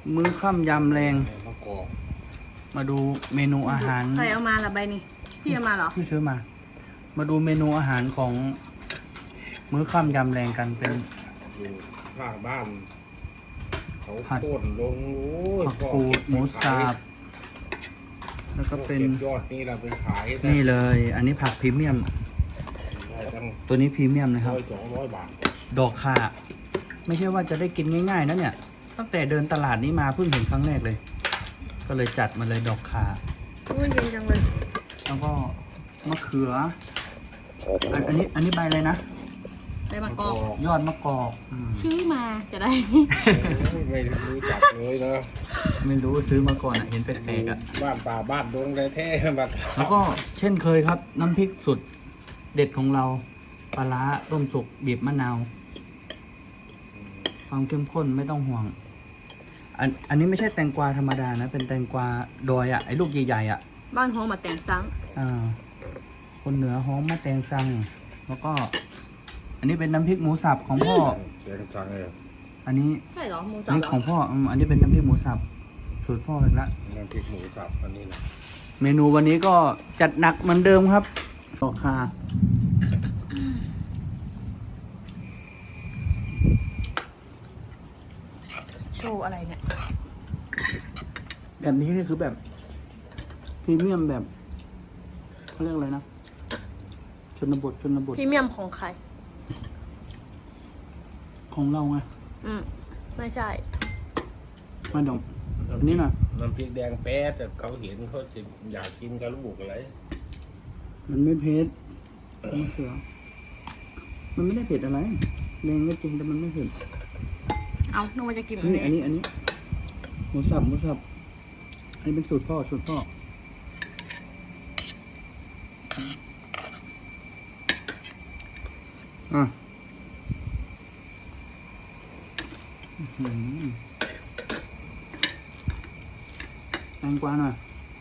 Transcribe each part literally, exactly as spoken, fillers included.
มื้อค่ำยำแรงมาดูเมนูอาหารใครเอามาละใบนี้พี่เอามาเหรอพี่ซื้อมา มาดูเมนูอาหารของมื้อค่ำยำแรงกันเป็นอยู่ข้างบ้านเขาโค่นลงโอ้ยผักกูดหมูสับแล้วก็เป็นยอดนี่เราไปขายนี่เลย อันนี้ผักพรีเมียมตัวนี้พรีเมียมนะครับสองร้อยบาทดอกข่าไม่ใช่ว่าจะได้กินง่ายๆนะเนี่ยตั้งแต่เดินตลาดนี้มาเพิ่งเห็นครั้งแรกเลย ก็เลยจัดมาเลยดอกข่าโอ้ยเย็นจังเลยแล้วก็มะเขืออันอันนี้อันนี้ใบอะไรนะใบมะกอกยอดมะกอกซื้อมาจะได้ไม่รู้จักเลยนะไม่รู้ซื้อมาก่อนเห็นแปลกๆอ่ะบ้านป่าบ้านดงแท้ๆแบบแล้วก็เช่นเคยครับน้ำพริกสุดเด็ดของเราปลาร้าต้มสุกบีบมะนาวความเข้มข้นไม่ต้องห่วงอันอันนี้ไม่ใช่แตงกวาธรรมดานะเป็นแตงกวาดอยอ่ะไอ้ลูกใหญ่ๆอ่ะบ้านหอมมาแตงซังอ่าคนเหนือหอมมาแตงซังแล้วก็อันนี้เป็นน้ำพริกหมูสับของพ่อแตงซังเลยอันนี้ใช่เหรอหมูสับนี่ของพ่ออันนี้เป็นน้ำพริกหมูสับสูตรพ่ออีกละน้ำพริกหมูสับอันนี้นะเมนูวันนี้ก็จัดหนักเหมือนเดิมครับดอกข่าโชว์อะไรเนี่ยแบบนี้นี่คือแบบพรีเมียมแบบเขาเรียกอะไรนะชนบทชนบทพรีเมียมของใครของเราไงอืมไม่ใช่มาดองอันนี้นะน้ำพริกแดงแป๊ดแต่เขาเห็นเขาจะอยากกินกับลูกอะไรมันไม่เผ็ดมะเขือมันไม่ได้เผ็ดอะไรแรงก็จริงแต่มันไม่เผ็ดเอานึกว่าจะกินนี่อันนี้อันนี้หมูสับหมูสับอันนี้เป็นสูตรพ่อสูตรพ่ออ่ะแตงกวาหน่อย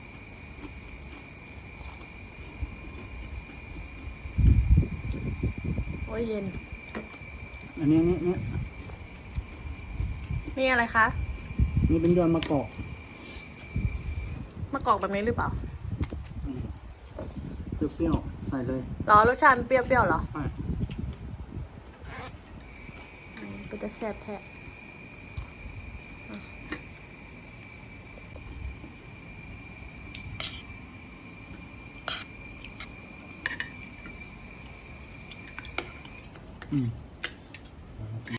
โอ้ยเย็นอันนี้อันนี้เนี่ยนี่อะไรคะนี่เป็นยอดมะกอกมะกอกแบบนี้หรือเปล่าเปรี้ยวๆใส่เลยหรอรสชาติเปรี้ยวๆหรอใช่เป็นจะแซ่บแท้อืม